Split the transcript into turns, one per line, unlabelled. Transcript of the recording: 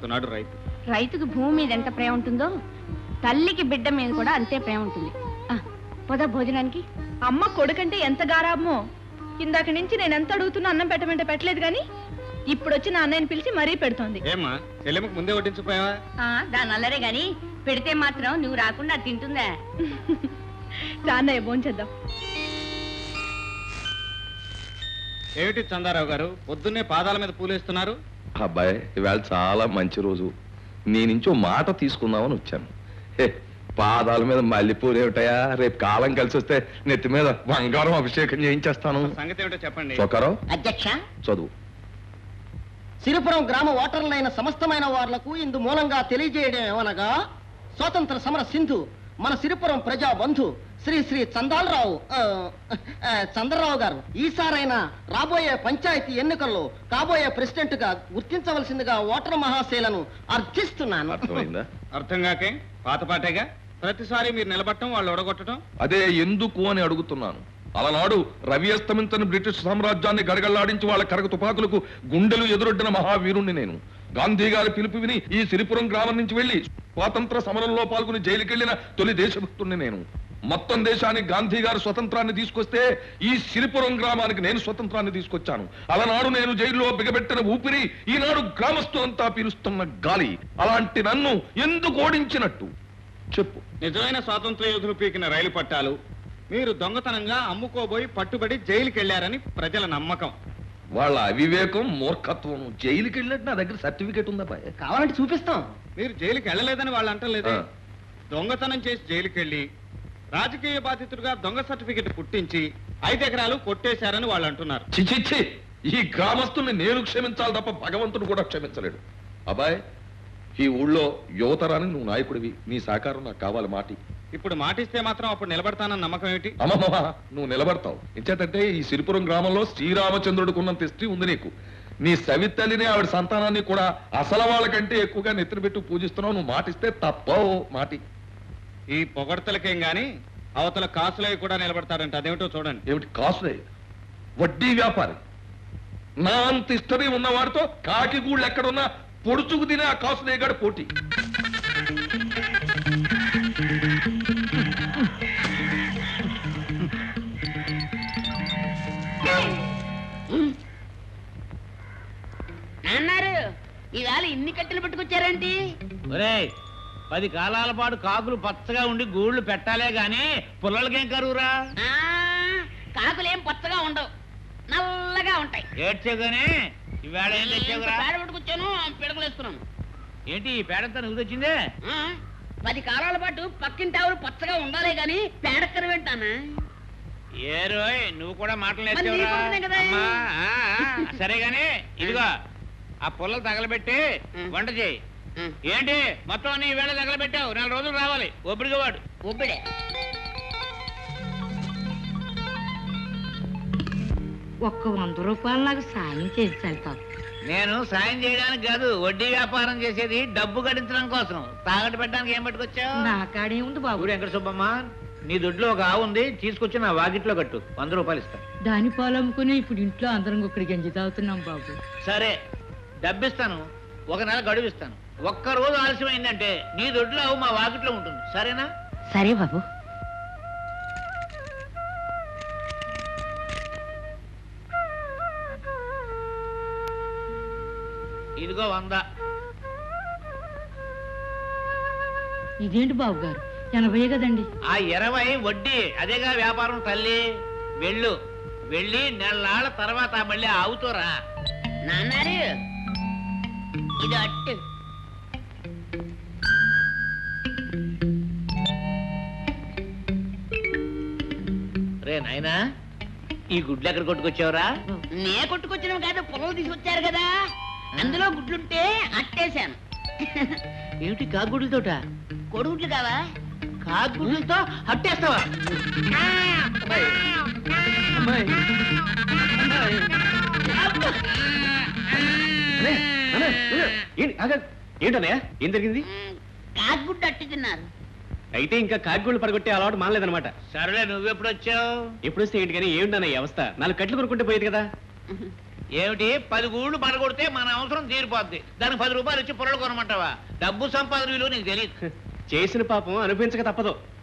బతుకుతున్నాడు రైతు.
రైతుకు భూమి మీద ఎంత ప్రేమ ఉంటుందో తల్లికి బిడ్డ మీద కూడా అంతే ప్రేమ ఉంటుంది. పోదా భోజనానికి.
అమ్మ కొడుకంటే ఎంత గారాబమో. ఇందాక నుంచి నేను ఎంత అడుగుతున్నా అన్నం పెట్టమంటే పెట్టలేదు గాని ఇప్పుడు వచ్చి నా అన్నయ్యని పిలిచి మరీ పెడుతోంది.
ఏమ్మా చెల్లెమ్మకు ముందే వడ్డించిపోయావా?
దాని అల్లరే గాని పెడితే మాత్రం నువ్వు రాకుండా తింటుందా?
అన్నయ్య భోంచేద్దాం.
ఏమిటి చందారావు గారు పొద్దున్నే పాదాల మీద పూలేస్తున్నారు?
అబ్బాయి ఇవాళ చాలా మంచి రోజు, నీ నుంచి ఓ మాట తీసుకుందామని వచ్చాను. పాదాల మీద మల్లెపూలు ఏమిటయా, రేపు కాలం కలిసి వస్తే నెత్తి మీద బంగారం అభిషేకం చేయించేస్తాను.
సంగతి ఏమిటో చెప్పండి.
చొక్కారావు
అధ్యక్ష,
చదువు.
సిరిపురం గ్రామ ఓటర్లైన సమస్తమైన వార్లకు ఇందు మూలంగా తెలియజేయడం ఏమనగా, స్వాతంత్ర సమర సింధు మన సిరిపురం ప్రజా బంధు శ్రీ శ్రీ చంద్రరావు గారు ఈసారైనా రాబోయే పంచాయతీ ఎన్నికల్లో కాబోయే ప్రెసిడెంట్ గా గుర్తించవలసిందిగా ఓటర్ మహాశైలను అర్థిస్తున్నాను.
అర్థమైందా?
అర్థం కాకే పాతపాటేగా ప్రతిసారి మీరు నిలబట్టడం వాళ్ళు ఒడగొట్టడం.
అదే ఎందుకు అని అడుగుతున్నాను. అలనాడు రవి అస్తమించని బ్రిటిష్ సామ్రాజ్యాన్ని గడగళ్లాడించి వాళ్ళ కరగ తుపాకులకు గుండెలు ఎదురొడ్డిన మహావీరుణ్ణి నేను. గాంధీ గారి పిలుపు విని ఈ సిరిపురం గ్రామం నుంచి వెళ్లి స్వాతంత్ర సమరంలో పాల్గొని జైలుకెళ్లిన తొలి దేశభక్తుణ్ణి నేను. మొత్తం దేశానికి గాంధీ గారు స్వతంత్రాన్ని తీసుకొస్తే ఈ సిరిపురం గ్రామానికి నేను స్వతంత్రాన్ని తీసుకొచ్చాను. అలనాడు నేను జైల్లో బిగబెట్టిన ఊపిరి ఈనాడు గ్రామస్తులంతా పీలుస్తున్న గాలి. అలాంటి నన్ను ఎందుకు ఓడించినట్టు చెప్పు.
నిజమైన స్వాతంత్ర యోధులు పీకిన రైలు పట్టాలు మీరు దొంగతనంగా అమ్ముకోబోయి పట్టుబడి జైలుకి వెళ్లారని ప్రజల నమ్మకం.
వాళ్ళ అవివేకం, మూర్ఖత్వం. జైలుకి వెళ్ళినట్టు నా దగ్గర సర్టిఫికేట్ ఉందా?
కావాలంటే చూపిస్తాం.
మీరు జైలుకి వెళ్ళలేదని వాళ్ళు అంటలేదే. దొంగతనం చేసి జైలుకి వెళ్ళి రాజకీయ బాధితుడిగా దొంగ సర్టిఫికెట్ పుట్టించి 5 ఎకరాలు కొట్టేశారని వాళ్ళు అంటున్నారు.
చిచిచ్చి, ఈ గ్రామస్తుల్ని నేను క్షమించాలి తప్ప భగవంతుడు కూడా క్షమించలేడు. అబ్బాయి, ఈ ఊళ్ళో యువతరానికి నువ్వు నాయకుడివి, నీ సహకారం నాకు కావాలి. మాటి
ఇప్పుడు మాటిస్తే మాత్రం అప్పుడు నిలబడతానన్న నమ్మకం ఏమిటి?
అమ్మమ్మ, నువ్వు నిలబడతావు. ఎంచేతంటే ఈ సిరిపురం గ్రామంలో శ్రీరామచంద్రుడికి ఉన్నంత హిస్టరీ ఉంది నీకు. నీ సవితల్లిని ఆవిడ సంతానాన్ని కూడా అసలు వాళ్ళకంటే ఎక్కువగా నెత్తిన పెట్టి పూజిస్తున్నావు. నువ్వు మాటిస్తే తప్పవు. మాటి.
ఈ పొగడ్తలకేం గాని అవతల కాసులై కూడా నిలబడతారంట. అదేమిటో చూడండి.
ఏమిటి కాసులే? వడ్డీ వ్యాపారి. నా అంత హిస్టరీ ఉన్నవాడితో కాకి గూళ్ళు ఎక్కడున్నా పొడుచుకు తినే ఆ కాసులేగాడు పోటీ.
అన్నారు ఇవాళ ఇన్ని కట్టెలు పట్టుకొచ్చారేంటి?
10 కాలాల పాటు కాకులు పచ్చగా ఉండి గూళ్ళు పెట్టాలే గాని పుల్లలకేం కరువురా?
కాకులేం పచ్చగా ఉండవు, నల్లగా ఉంటాయి.
ఏడ్చేగానే ఇవాళ ఏం తెచ్చావురా?
పేడ పట్టుకొచ్చాను, పిడకలేస్తున్నాను.
ఏంటి ఈ పేడంతా నువ్వు తెచ్చిందే?
10 కాలాల పాటు పక్కింటి ఆవులు పచ్చగా ఉండాలే గాని పేడక్కర వింటానా?
ఏ రోయ్, నువ్వు కూడా మాటలు నేర్చావురా? సరే గాని ఇదిగో ఆ పుల్లలు తగలబెట్టి వంట చేయి. ఏంటి మొత్తం నీ వేళ తగలబెట్టావు? 4 రోజులు రావాలి. ఒబ్బడిగా వాడు.
ఒబ్బిడే
ఒక్క 100 రూపాయలు నాకు సాయం చేయించాలి తాత.
నేను సాయం చేయడానికి కాదు, వడ్డీ వ్యాపారం చేసేది డబ్బు గడించడం కోసం. తాగట్టు పెట్టడానికి ఏం పట్టుకొచ్చావు?
నా కాడే ఉంది బాబు.
వెంకట సుబ్బమ్మ, నీ దొడ్లో ఒక ఆవు ఉంది, తీసుకొచ్చి నా వాకిట్లో కట్టు. 100 రూపాయలు ఇస్తా.
దాని పాలు అమ్ముకుని ఇప్పుడు ఇంట్లో అందరం ఒక్కడి గంజి తాగుతున్నాం బాబు.
సరే, డబ్బిస్తాను. 1 నెల గడువిస్తాను. 1 రోజు ఆలస్యమైందంటే నీ దొడ్లో ఆవు మా వాకిట్లో ఉంటుంది. సరేనా?
సరే బాబు.
ఇదిగో 100.
ఇదేంటి బాబు గారు, 80 కదండి.
ఆ 20 వడ్డీ. అదేగా వ్యాపారం తల్లి. వెళ్ళు, వెళ్ళి నెలనాళ్ళ తర్వాత మళ్ళీ ఆవుతోరా.
నాన్నారు ఇది అట్టు.
రే నాయనా, ఈ గుడ్లు ఎక్కడ కొట్టుకొచ్చావురా?
నే కొట్టుకొచ్చినవి కాదు, పొలం తీసుకొచ్చారు కదా, అందులో గుడ్లుంటే అట్టేశాను.
ఏమిటి కాగుడ్లతోట?
కొడుగుడ్లు కావా?
కాగుడ్లతో అట్టేస్తావా?
ఏంటన్నయ్య, ఏం జరిగింది?
కాకుగుడ్డు అట్టి తిన్నారు.
అయితే ఇంకా కాకిగూళ్ళు పడగొట్టే అలవాటు మానలేదన్నమాట.
సరేలే, నువ్వెప్పుడు వచ్చావు?
ఎప్పుడు వస్తే ఏంటి కానీ ఏమిటన్న ఈ అవస్థ? 4 కట్లు కొనుక్కుంటే పోయేది కదా.
ఏమిటి 10 గూళ్ళు పడగొడితే మన అవసరం తీరిపోద్ది, దానికి 10 రూపాయలు ఇచ్చి పొరలు కొనమంటావా? డబ్బు సంపాదన విలువ నీకు తెలియదు.
చేసిన పాపం అనిపించక తప్పదు.